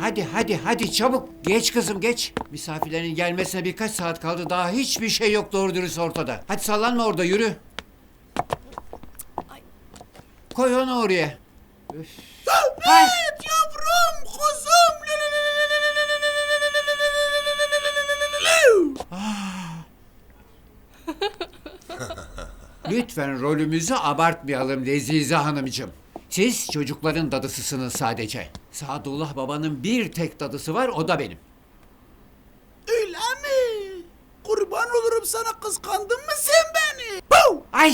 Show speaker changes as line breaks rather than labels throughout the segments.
hadi çabuk. Geç kızım geç. Misafirlerin gelmesine birkaç saat kaldı. Daha hiçbir şey yok doğru dürüst ortada. Hadi sallanma orada yürü. Koy onu oraya. Üf. Ay.
Yavrum, kuzum.
Lütfen rolümüzü abartmayalım Lezize Hanımcığım. Siz çocukların dadısısınız sadece. Sadullah babanın bir tek dadısı var, o da benim.
Öyle mi? Kurban olurum sana, kıskandın mı sen beni? Bau!
Ay!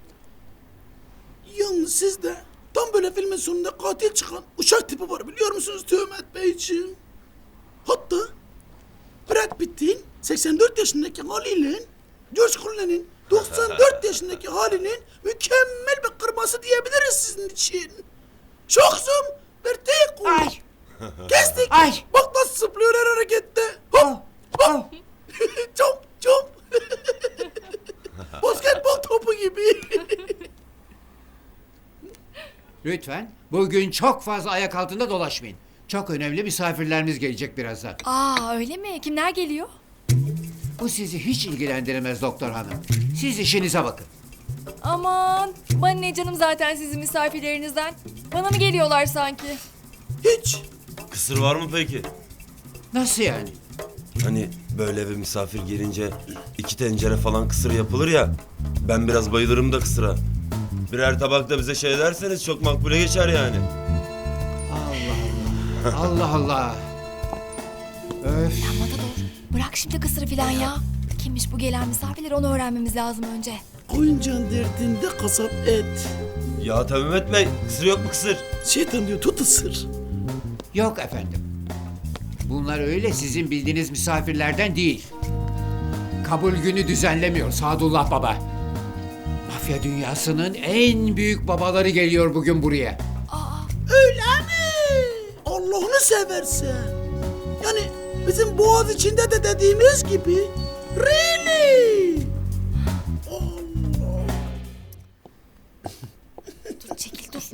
Yalnız sizde tam böyle filmin sonunda katil çıkan uşak tipi var, biliyor musunuz Töhmet Beyciğim? Hatta Brad Pitt'in 84 yaşındaki haliyle George Clooney'nin 94 yaşındaki halinin mükemmel bir kırması diyebiliriz sizin için. Şoksum, bir tek
Ay!
kestik.
Ay!
Bak nasıl zıplıyor her harekette. Hop hop. Çop çop. Basketbol topu gibi.
Lütfen bugün çok fazla ayak altında dolaşmayın. Çok önemli misafirlerimiz gelecek birazdan.
Aa öyle mi? Kimler geliyor?
Bu sizi hiç ilgilendirmez doktor hanım. Siz işinize bakın.
Aman bana ne canım zaten sizin misafirlerinizden. Bana mı geliyorlar sanki?
Hiç.
Kısır var mı peki?
Nasıl yani?
Hani böyle eve misafir gelince 2 tencere falan kısır yapılır ya. Ben biraz bayılırım da kısıra. Birer tabak da bize şey derseniz çok makbule geçer yani.
Allah Allah. Öf.
Ya Matador bırak şimdi kısırı filan ya. Kimmiş bu gelen misafirler, onu öğrenmemiz lazım önce.
Koyuncan derdinde kasap et.
Ya tabii Mehmet Bey, kısır yok mu kısır?
Şeytan diyor, tut ısır.
Yok efendim. Bunlar öyle sizin bildiğiniz misafirlerden değil. Kabul günü düzenlemiyor Sadullah Baba. Mafya dünyasının en büyük babaları geliyor bugün buraya.
Öyle mi? Allah'ını seversen. Yani bizim boğaz içinde de dediğimiz gibi. Really? Allah.
Dur çekil dur.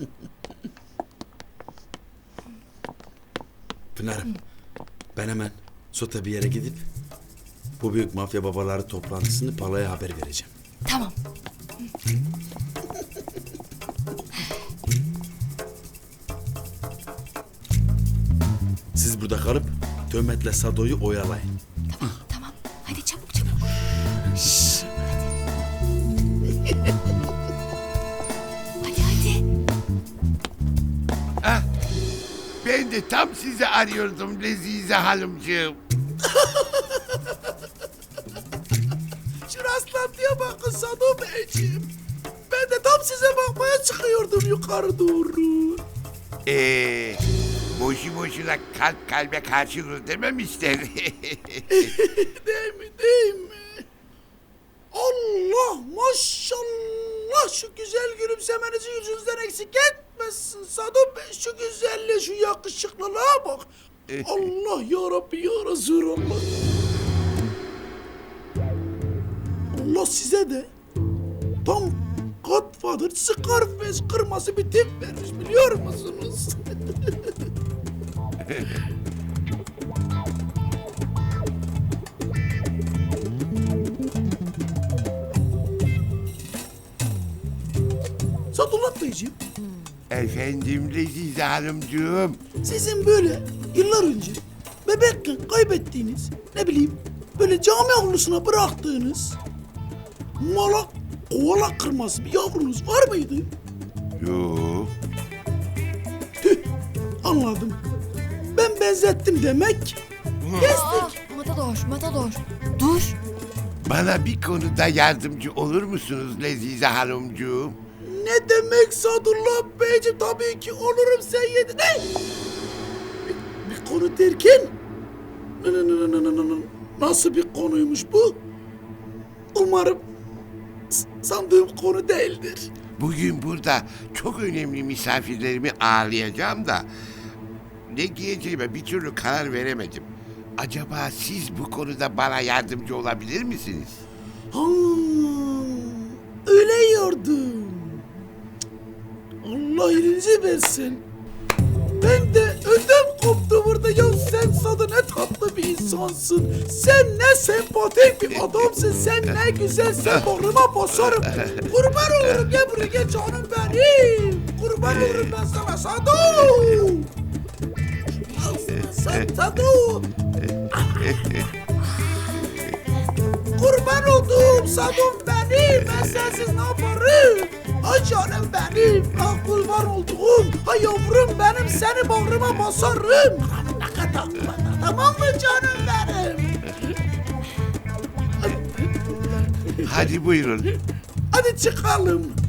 Pınar'ım, ben hemen Sota bir yere gidip bu büyük mafya babaları toplantısını Pala'ya haber vereceğim.
Tamam.
Siz burada kalıp Töhmet'le Sado'yu oyalayın.
Tamam. Hadi çabuk çabuk. Şşş, hadi. Hadi.
Ben de tam sizi arıyordum Lezize Hanımcığım.
Şu rastlantıya bakın Sado Beyciğim. Ben de tam size bakmaya çıkıyordum yukarı doğru.
Boşu boşuna kalp kalbe karşı vurur dememişler.
Değil mi, değil mi? Allah maşallah, şu güzel gülümsemenizi yüzünüzden eksik etmesin Sado Bey. Şu güzelliğe, şu yakışıklılığa bak. Allah ya Rabbi ya Resulallah. Allah size de tam Godfather, Scarface kırması bir tip vermiş, biliyor musunuz? Sadullah Beyciğim,
Efendim Lezize Hanımcığım.
sizin böyle yıllar önce bebekken kaybettiğiniz, ne bileyim, böyle cami avlusuna bıraktığınız malak, koala kırması bir yavrunuz var mıydı?
Yok.
Tüh, anladım. Ben benzettim demek. Kestik.
Matador. Dur.
Bana bir konuda yardımcı olur musunuz Lezize Hanımcığım?
Ne demek Sadullah Beyciğim, tabii ki olurum, sen yedin. Ne? Bir konu derken? Nasıl bir konuymuş bu? Umarım sandığım konu değildir.
Bugün burada çok önemli misafirlerimi ağırlayacağım da ne giyeceğime bir türlü karar veremedim. Acaba siz bu konuda bana yardımcı olabilir misiniz?
Ha, öyle yordum. Allah elinizi versin. Ben de ödüm koptu burada ya. cansın. Sen ne sempatik bir adamsın. Sen ne güzel, sen bağrıma basarım. Kurban olurum, gel buraya gel canım benim. Kurban olurum ben sana Sado. Sen Sado. Kurban oldum Sadom benim. Ben sensiz ne yaparım? Ay canım benim. Ah kurban olduğum. Ay yavrum benim, seni bağrıma basarım. Tamam mı canım benim?
Hadi buyurun.
Hadi çıkalım.